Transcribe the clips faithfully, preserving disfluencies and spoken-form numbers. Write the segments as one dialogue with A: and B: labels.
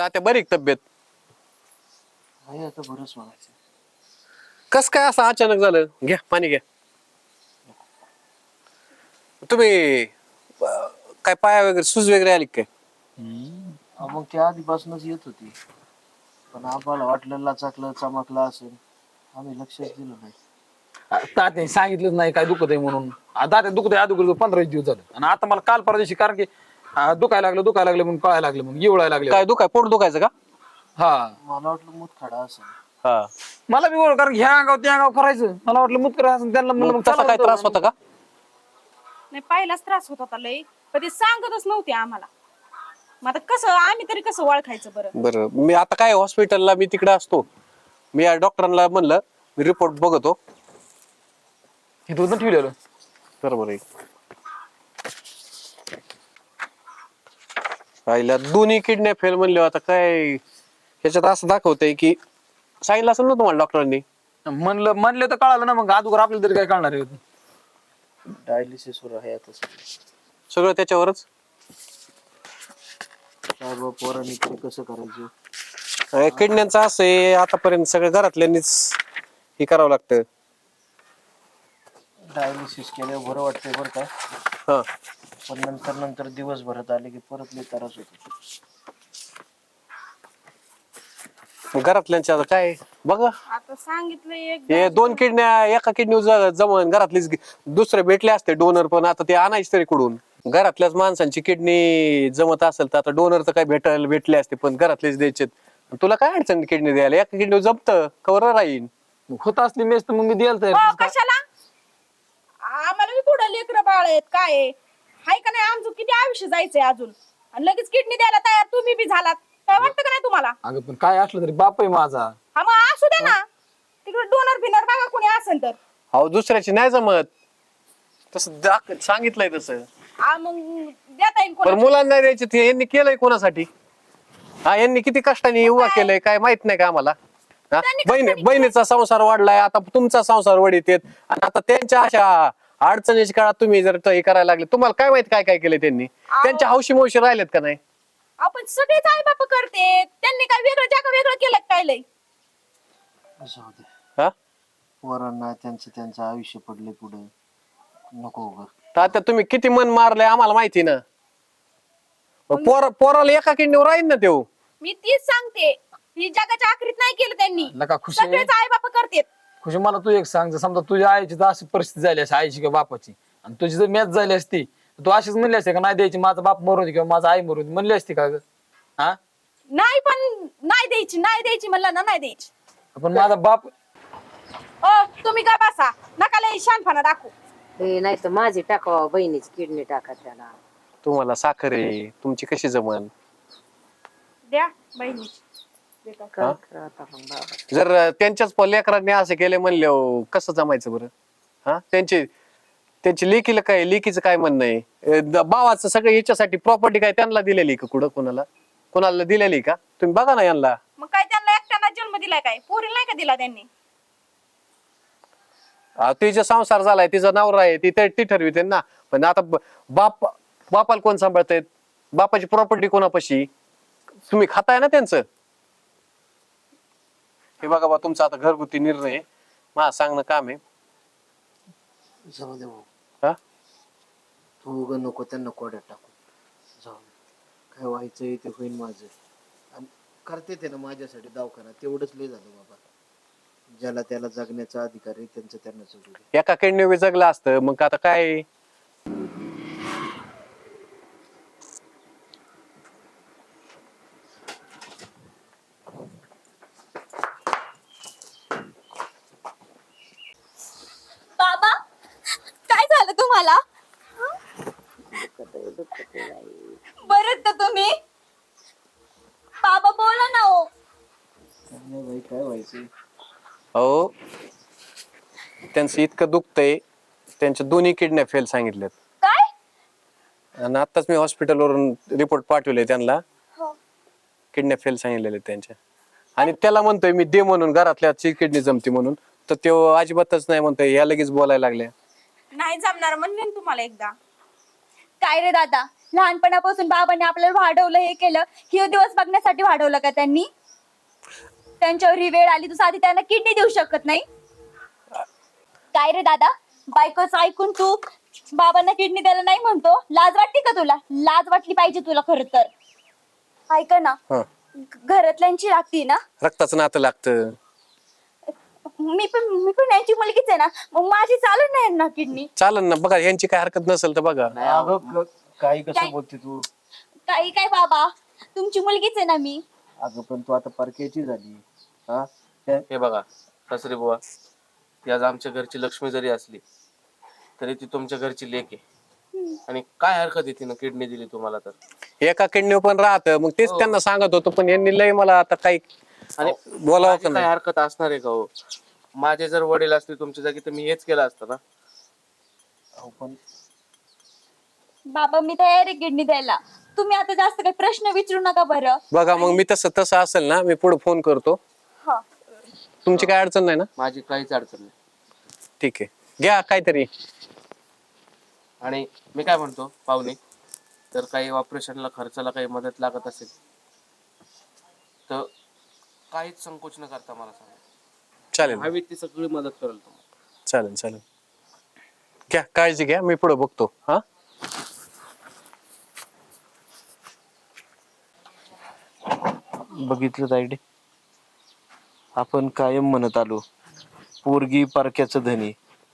A: तात्या बरी का तब्येत?
B: आहे आता बरंच म्हणायचं.
A: कस काय असं अचानक झालं? घ्या पाणी घ्या. तुम्ही अं, काय पाया वगैरे सूज वगैरे आली का काय?
B: मग त्या आधीपासूनच येत होती, पण आम्हाला वाटलं लाचाकलं चमकलं असेल, आम्ही लक्षच दिलं नाही.
C: तात्याने सांगितलंच नाही काय दुखत आहे म्हणून. तात्या दुखत आहे अगोदर पंधरा दिवस झालं आणि आता मला काल परवा दिवशी कारण की आ, दुखायला लागलं दुखायला लागलं म्हणून कळायला लागलं म्हणून येवळायला लागले.
A: काय दुखाय पोट दुखायचं का?
C: हा
B: मला वाटलं मुतखडा असेल.
A: हा.
C: मला बी बरोबर कारण ह्या अंगाव त्या अंगाव करायचं मला वाटलं मुत करायचं त्यांना म्हणलं
A: मग
C: मग
A: तसा
C: चला
A: काय
C: म्हणतो.
A: त्रास होता का?
D: नाही पहिलाच त्रास होत होता लई, पण ते सांगतच नव्हते आम्हाला. मग आता कसं आम्ही तरी कसं ओळखायचं बरं?
A: बरं मी आता काय हॉस्पिटलला मी तिकडे असतो. मी या डॉक्टरांना म्हणलं मी रिपोर्ट बघतो.
C: हे तुझं ठेवलेलं
A: बरोबर आहे. पाहिल्या दोन्ही किडन्या फेल म्हणले आता काय ह्याच्यात असं दाखवतंय की सांगितलं असेल ना तुम्हाला डॉक्टरांनी.
C: म्हणलं म्हणलं तर कळालं ना मग अगोदर आपल्याला तरी काय कळणार आहे.
B: डायलिसिस वर आहे आता सगळं.
A: सगळं त्याच्यावरच.
B: काय बा पोरांनी तरी कसं करायचं.
A: अं, किडन्यांचं असं आहे आतापर्यंत सगळं घरातल्यांनीच हे करावं लागतं.
B: डायलिसिस केल्यावर बरं वाटतंय बरं का,
A: हा.
B: पण नंतर नंतर दिवसभरात आले की परत लई त्रास होतो.
A: घरातल्यांच्या आता काय बघा
D: आता सांगितलं एक
A: हे दोन किडन्या एका किडनी जमन घरातलीच दुसरे भेटले असते डोनर पण आता ते आणायचे तरी कुठून. घरातल्याच माणसांची किडनी जमत असेल तर आता डोनर तर काय भेटायला भेटले असते पण घरातलेच द्यायचे. तुला काय अडचण किडनी द्यायला? एका किडनी जमत कवर राहीन.
C: होत असली मेस तर मग मी द्यायला
D: हो,
C: तयार.
D: कशाला आम्हाला बी पुढे लेकर बाळ आहेत काय आहे? हाय का नाही आमचं किती आयुष्य जायचंय अजून आणि लगेच किडनी द्यायला तयार तुम्ही बी झालात. काय वाटतं का नाही तुम्हाला?
C: अगं पण काय असलं तरी बाप आहे माझा.
D: हा मग असू द्या ना, तिकडे डोनर बिनर बघा कोणी असेल तर.
A: अहो दुसऱ्याची नाही जमत तसं दाख- सांगितलंय तसं.
D: आ मग देता येईल
A: पण
D: कोणाला?
A: मुलांना नाही द्यायचे ते यांनी केलंय कोणासाठी? हा यांनी किती कष्टाने उभा केलंय काय माहित नाही का आम्हाला? हा?
D: त्यांनी
A: बहिणी
D: कष्टाने
A: बहिणीचा संसार वाढलाय आता तुमचा संसार वडीत येत आणि आता त्यांच्या अशा अडचणीच्या काळात तुम्ही जर हे करायला लागले तुम्हाला काय माहित काय काय केलंय त्यांनी? त्यांच्या हौशी मौशी राहिलेत का नाही?
D: आपण सगळेच आई बाप करते, त्यांनी काय वेगळं जागा वेगळं केलं काय लय?
B: असं होते
A: हा
B: पोरांना त्यांचं त्यांचं आयुष्य पडले पुढे, नको उगा.
A: तर आता तुम्ही किती मन मारलंय आम्हाला माहिती ना. पोरा पोराला एका किडनीवर राहील ना तेव.
D: मी तीच सांगते, ही जगाच्या आखरीत नाही केलं त्यांनी.
C: नका खुशी
D: सगळेच आई बाप करतेत.
C: खुशी मला तू एक सांग जर समजा तुझ्या आईची तर अशी परिस्थिती झाली असती आईची किंवा बापाची आणि तुझी जर मॅच झाली असती तर तू अशीच म्हणली असते का नाही द्यायची माझा बाप मरून दे किंवा माझा आई मरून दे म्हणली असती का ग? हा
D: नाही पण नाही द्यायची नाही द्यायची म्हणलं ना नाही द्यायची.
C: पण माझा बाप
D: ओ तुम्ही का बसा, नका लय शानपणा दाखवू.
E: हे नाही तर माझी टाकावा बहिणीची किडनी टाका त्याला.
A: तुम्हाला साखर आहे तुमची कशी जमन?
D: द्या बहिणीची. दे का?
E: काय करा आता मग बाबा.
A: जर त्यांच्याच प- लेकरांनी असं केले म्हणले कसं जमायचं बरं? हा त्यांची त्यांची लेकीला काय लेकीचं काय म्हणणं आहे? अ, द- भावाचं सगळं याच्यासाठी प्रॉपर्टी काय त्यांना दिलेली का कुठं कोणाला कोणाला दिलेली का? तुम्ही बघा ना यांना.
D: मग काय त्यांना एकट्याला जन्म दिलाय काय? पोरीला नाही का दिला त्यांनी?
A: अ, तिचा संसार झालाय तिचा नवरा आहे ती ती ठरविते ना. पण आता ब- बाप बापाला कोण सांभाळतायत? बापाची प्रॉपर्टी कोणापाशी? तुम्ही खाताय ना त्यांचं. हे बघा बा तुमचा आता घरगुती निर्णय आहे. मला सांगणं काम आहे.
B: जाऊ दे भाऊ,
A: हा
B: तू उगा नको त्यांना कोड्यात टाकू. जाऊ दे, काय व्हायचंय ते होईल माझं. आणि करते ते ना माझ्यासाठी दवाखाना, तेवढंच लय झालं बाबा. ज्याला त्याला जगण्याचा अधिकार आहे त्यांचं त्यांना जगू दे.
A: एका किडनी जगलं असतं मग आता काय.
D: बाबा काय झालं तुम्हाला? बरं तर तुम्ही बाबा बोला ना. हो
B: काय नाही बाई, काय व्हायचंय?
A: हो त्यांचं इतकं दुखतंय त्यांच्या दोन्ही किडन्या फेल सांगितल्यात.
D: काय?
A: आणि आताच मी हॉस्पिटलवरून रिपोर्ट पाठवले त्यांना.
D: हो.
A: किडन्या फेल सांगितलेले त्यांच्या. आणि त्याला म्हणतोय मी दे म्हणून घरातल्याची किडनी जमती म्हणून तर तो अजिबातच नाही म्हणतोय. या लगेच बोलायला लागल्या.
D: नाही जमणार म्हणले ना तुम्हाला एकदा. काय रे दादा
F: लहानपणापासून बाबांनी आपल्याला वाढवलं, हे केलं. हे दिवस बघण्यासाठी वाढवलं का त्यांनी? त्यांच्यावर ही वेळ आली, तू साधी त्यांना किडनी देऊ शकत नाही? काय रे दादा, बायकोच ऐकून तू बाबांना किडनी द्यायला नाही म्हणतो? लाज वाटते का तुला? लाज वाटली पाहिजे तुला खरं तर. ऐक ना,
A: हा.
F: घरातल्यांची लागती ना.
A: रक्ताचं नातं लागतं.
F: मी पण मी पण यांची मुलगीच आहे ना, मग माझी चालत नाही ना किडनी.
A: चालन ना, बघा यांची काय हरकत नसेल तर बघा.
B: नाही अगं क- काही कसं
F: काय?
B: बोलते तू?
F: काही काय बाबा, तुमची मुलगीच आहे ना मी.
B: अगं पण तू आता परक्याची झाली. हा त्या-
G: हे बघा सासरे बुवा, ती आज आमच्या घरची लक्ष्मी जरी असली तरी ती तुमच्या घरची लेक आहे. आणि काय हरकत आहे तिनं किडनी दिली तुम्हाला तर?
A: एका किडनी पण राहतं, मग तेच त्यांना सांगत होतो, पण यांनी लय मला आता काही
G: आणि
A: बोलावं
G: माझी
A: का
G: काय
A: नाही.
G: हरकत असणार आहे का हो? माझे जर वडील असते तुमच्या जागी तर मी हेच केलं असतं ना.
B: अहो, पण
F: बाबा मी तयार आहे किडनी द्यायला. तुम्ही आता जास्त काही प्रश्न विचारू नका बरं.
A: बघा मग मी तसं तसं असेल ना, मी पुढे फोन करतो.
F: हा.
A: तुमची काय अडचण नाही ना?
G: माझी काहीच अडचण नाही.
A: ठीक आहे, घ्या काहीतरी.
G: आणि मी काय म्हणतो पाहुणे, तर काही ऑपरेशनला खर्चाला काही मदत लागत असेल तर काहीच संकोच न करता मला सांगा.
A: चालेल
G: हवी ती सगळी मदत करेल तुम्हाला.
A: चालेल चालेल, घ्या काळजी घ्या, मी पुढे बघतो. हा
B: बघितलं तायडे, आपण कायम म्हणत आलो पोरगी परक्याचं धनी,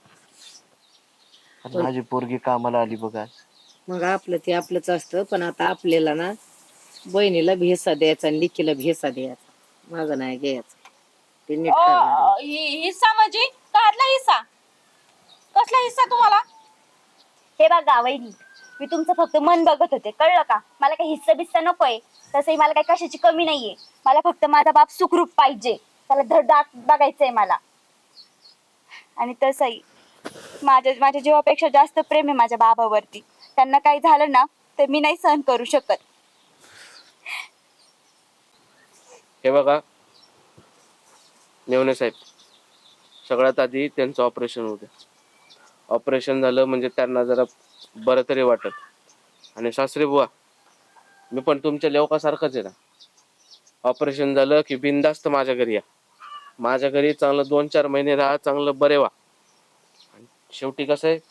B: आणि माझी पोरगी कामाला आली बघा आज.
E: मग आपलं ते आपलंच असतं, पण आता आपल्याला ना बहिणीला भेसा द्यायचा आणि लिकीला भेसा द्यायचा. माझं नाही घ्यायचं. ते नीट करा.
D: अ, हि- हिस्सा म्हणजे काढला हिस्सा? कसला हिस्सा तुम्हाला?
F: हे बघा वहिनी, मी तुमचं फक्त मन बघत होते, कळलं का? मला काही हिस्सा बिस्सा नकोय. तसंही मला काही कशाची कमी नाहीये. मला फक्त माझा बाप सुखरूप पाहिजे, त्याला धडधाक बघायचंय मला. आणि तसंही माझ्या माझ्या जीवापेक्षा जास्त प्रेम आहे माझ्या बाबावरती. त्यांना काही झालं ना तर मी नाही सहन करू शकत.
G: हे बघा नेवणे साहेब, सगळ्यात आधी त्यांचं ऑपरेशन होतं. ऑपरेशन झालं म्हणजे त्यांना जरा बरं तरी वाटत. आणि सासरे बुवा, मी पण तुमच्या लेवकासारखंच आहे ना. ऑपरेशन झालं की बिनधास्त माझ्या घरी या. माझ्या घरी चांगलं दोन चार महिने राहा, चांगलं बरे व्हा. आणि शेवटी कसं आहे,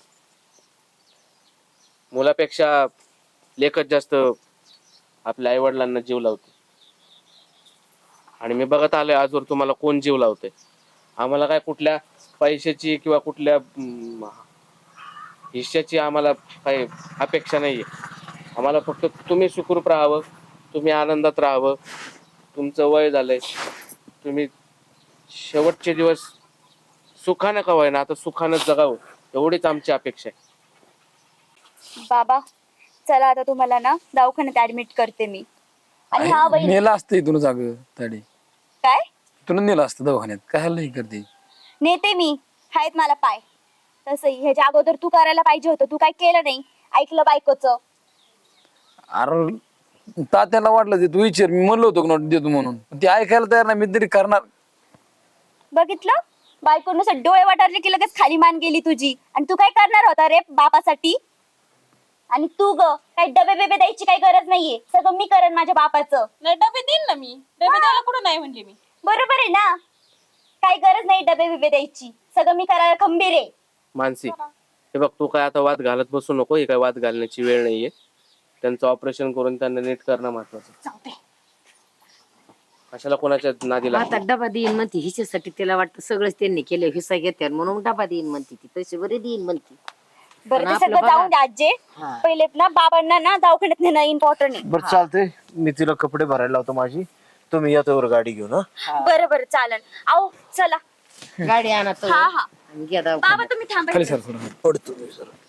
G: मुलापेक्षा लेखच जास्त आपल्या आई वडिलांना जीव लावते. आणि मी बघत आलोय आजवर तुम्हाला कोण जीव लावते. आम्हाला काय कुठल्या पैशाची किंवा कुठल्या अं, हिश्श्याची आम्हाला काही अपेक्षा नाहीये. आम्हाला फक्त तुम्ही सुखरूप राहावं, तुम्ही आनंदात राहावं. तुमचं वय झालंय, तुम्ही शेवटचे दिवस सुखानं का होईना आता सुखानं जगावं, एवढीच आमची अपेक्षा आहे.
F: बाबा चला, आता तुम्हाला ना दवाखान्यात ऍडमिट करते मी. आणि हा वहिनी,
C: नेलं असतं इथून जाग ताडी,
F: काय
C: इथून नेलं असतं दवाखान्यात. काय नाही करते.
F: नेते मी, आहेत मला पाय. तसंही ह्याच्या अगोदर तू करायला पाहिजे होतं, तू काय केलं नाही. ऐकलं बायकोचं.
C: अरे तात्याला वाटलं ते तू विचार, मी म्हणलो होतो नोट देतो म्हणून, पण ते ऐकायला तयार नाही. मी तरी करणार.
F: बघितलं, बायकोनुसार डोळे वाटारले की लगेच खाली मान गेली तुझी. आणि तू काय करणार होता रे बापासाठी? आणि तू ग काही डबे बेबे द्यायची काही गरज नाहीये, सगळं मी करेन माझ्या बापाचं.
D: नाही डबे देईन ना मी. डबे द्यायला कुठं नाही म्हणले मी.
F: बरोबर आहे ना, काही गरज नाही डबे बिबे द्यायची, सगळं मी करायला खंबीर आहे.
G: मानसी, हे बघ तू काय आता वाद घालत बसू नको. ही काय वाद घालण्याची वेळ नाहीये. त्यांचं ऑपरेशन करून त्यांना नीट करणं महत्वाचं.
D: चालतंय.
G: कशाला कोणाच्या नादी
E: आता
G: लागते?
E: डबा देईन म्हणते, हिच्यासाठी तिला वाटतं सगळंच त्यांनी केलं, हिस्सा घेते म्हणून डबा देईन म्हणते ती. पैसे बरे देईन म्हणते.
F: बरं
E: पण
F: ते
E: आपलं
F: सगळं
E: बघा.
F: जाऊन द्या आजे.
E: हा.
F: पहिले ना बाबांना ना दवाखान्यात नेणं इम्पॉर्टंट आहे.
B: बरं चालतंय, मी तिला कपडे भरायला लावतो माझी. तुम्ही या तोवर गाडी घेऊन. हा
F: बरं बरं चालेल. आओ चला.
E: गाडी आणा तो
F: हा हा
E: आणि घ्या
F: बाबा
E: दवाखान्यात.
F: तुम्ही थांबा.
C: खाली सर थोडं.
B: पडतो मी जरा.